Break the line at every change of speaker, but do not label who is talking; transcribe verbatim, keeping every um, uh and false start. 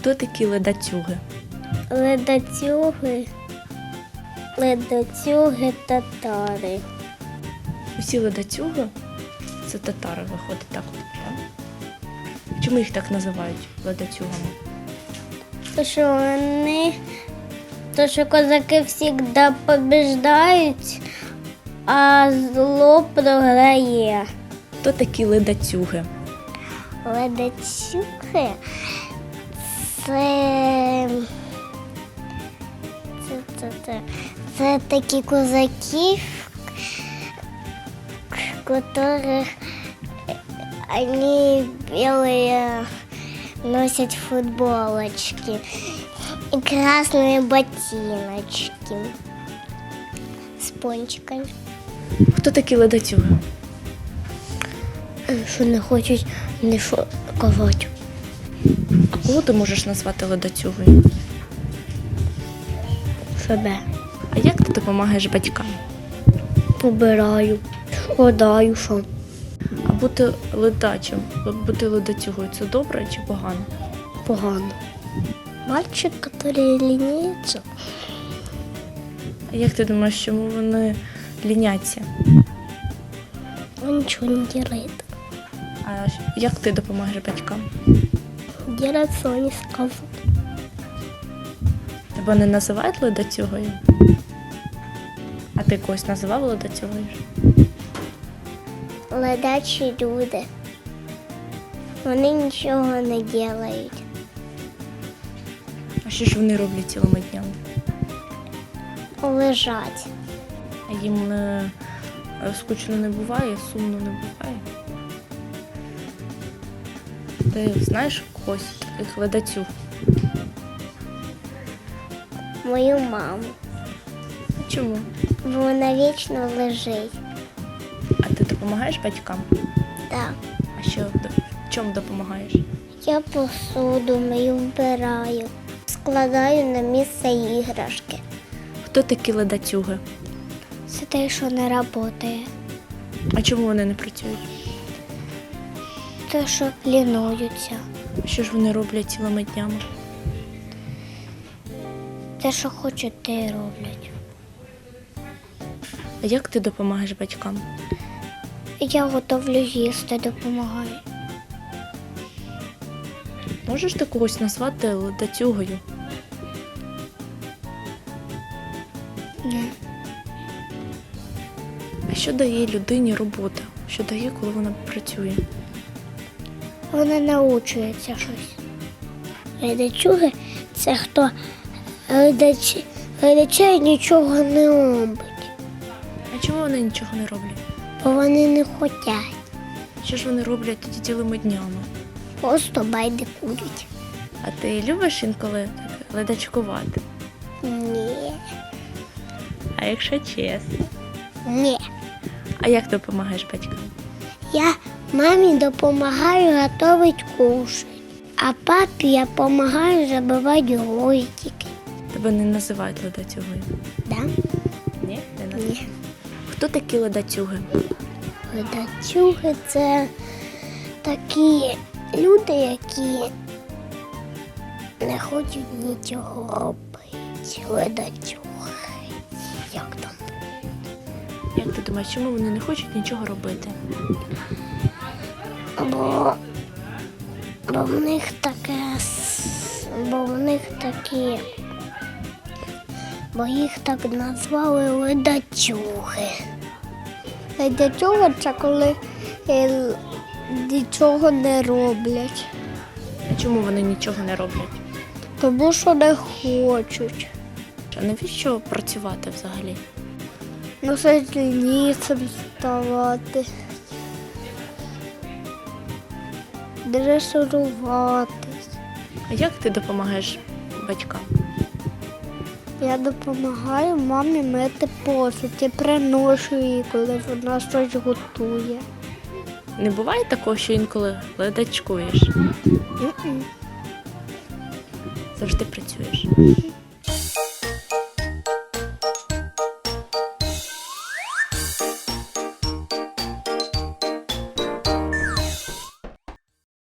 Хто такі ледацюги?
Ледацюги, ледацюги татари.
Усі ледацюги – це татари, виходить так. Так? Чому їх так називають ледацюгами?
То, що вони, то, що козаки завжди побіждають, а зло програє.
Хто такі ледацюги?
Ледацюги – це, це, це, це, це такі козаки, которых они белые носят футболочки и красные ботиночки с пончиками.
Хто такі ледацюги?
Що не хочуть не шокувати.
А кого ти можеш назвати ледацюгою?
Себе.
А як ти допомагаєш батькам?
Побираю, складаю, що
А бути ледачим, бути ледацюгою – це добре чи погано?
погано. Мальчик, який лініється.
А як ти думаєш, чому вони ліняться?
Он ничего не делает.
А як ти допомагаєш батькам?
Делает, что они скажут.
Тебе не називають ледацюгою? А ти когось називав ледацюгою?
Ледачі люди. Вони нічого не роблять.
А що ж вони роблять цілими днями?
Лежать.
А їм не скучно не буває, сумно не буває? Ти знаєш когось таких ледацюг?
Мою маму.
А чому?
Бо вона вічно лежить.
А ти допомагаєш батькам?
Так.
А що, в чому допомагаєш?
Я посуду мию, вбираю. Складаю на місце іграшки.
Хто такі ледацюги?
Це те, що не працює.
А чому вони не працюють?
Те, що лінуються.
Що ж вони роблять цілими днями?
Те, що хочуть, те й роблять.
А як ти допомагаєш батькам?
Я готовлю їсти, допомагаю.
Можеш ти когось назвати ледацюгою?
Ні.
А що дає людині робота? Що дає, коли вона працює?
Вона научується щось. Ледачуги – це хто ледачі, ледачі нічого не робить,
А чому вони нічого не роблять?
бо вони не хочуть.
Що ж вони роблять тоді цілими днями?
Просто байдикують.
А ти любиш інколи так ледачкувати?
Ні.
А якщо чесно?
Ні.
А як допомагаєш батькам?
Я мамі допомагаю готувати кушать, а папі я допомагаю забивати гвоздики.
Тебе не називають ледацюгою?
Да?
Ні? Не називають?
Ні.
Хто такі ледацюги?
Ледацюги – це такі люди, які не хочуть нічого робити. Ледацюги. Як там?
Як ти думаєш, чому вони не хочуть нічого робити?
Бо, бо в них таке, с- бо в них такі, бо їх так назвали ледацюги. Ледацюги – це коли е, нічого не роблять,
А чому вони нічого не роблять?
тому що не хочуть.
А навіщо працювати взагалі?
Носить лінійцем ставати, дресируватись.
А як ти допомагаєш батькам?
Я допомагаю мамі мити посуд і приношу їй, коли вона щось готує.
Не буває такого, що інколи ледачкуєш?
М-м.
Завжди працюєш.